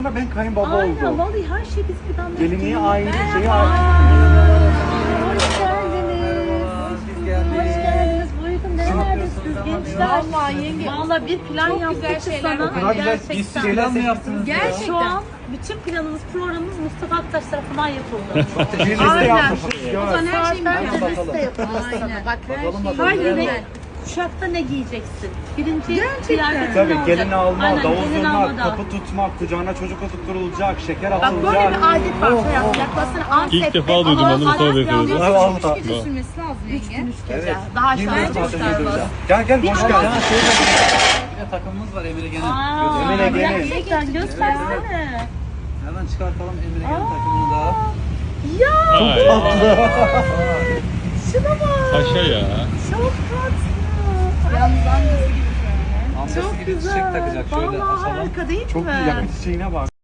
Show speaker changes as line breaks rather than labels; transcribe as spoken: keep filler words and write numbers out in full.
Ben kayınbaba
Aynen,
oldum.
vallahi her şey biz planladık.
Gelinliği aynı, şeyi
Merhaba.
aynı.
Hoş geldiniz.
Biz geldik.
Hoş geldiniz. Buyurun, nerelerdesiniz gençler?
Vallahi yenge.
Vallahi bir plan
Çok
yaptık
güzel
ki
şeyler
sana.
var.
O kadar güzel
Gerçekten.
bir şeyler mi yaptınız?
Gerçekten.
Şu an bütün planımız, programımız Mustafa Aktaş tarafından yapıldı.
Bir liste
Aynen.
yapmışız.
O zaman
Gör.
her şeyi
Saatlerce
biliyorum.
liste yapıldı sana.
Aynen.
Bak her
Bakalım,
şey.
bakalım.
Hangi renk
Güzel.
kuşakta ne giyeceksin? Birinci
Gerçekten.
kıyafetin
Tabii
ne
gelini
olacak?
alma,
Aynen,
davul
gelin
zurna,
alma da.
kapı tutmak, kucağına çocuk oturtulacak, şeker
Bak
atılacak.
böyle bir adet var. Şey yap, yaklaşsana Antep'te.
İlk defa duydum,
ama
onu Mustafa
Antep
Bey söyledi.
yalnız
Ay vallahi.
Üç gece sürmesi lazım
Üç
yenge.
gün üç gece.
Evet.
Daha
Yeni
şanslı
bir
çıkarmaz.
bahsedeceğiz. Gel gel hoş geldin.
Ya şey de- bir de takımımız var Emre Gen'in.
Aa,
Emine Genel.
gerçekten göstersene.
Hemen çıkartalım Emre Gen'in takımını da.
Ya
Ay,
şuna bak.
paşa ya.
Çok tatlı.
Yalnız annesi gibi şöyle.
Amcası
Çok
gibi
güzel.
çiçek takacak. Şöyle
Vallahi
açalım.
harika değil
Çok
mi?
iyi yakın çiçeğine bak.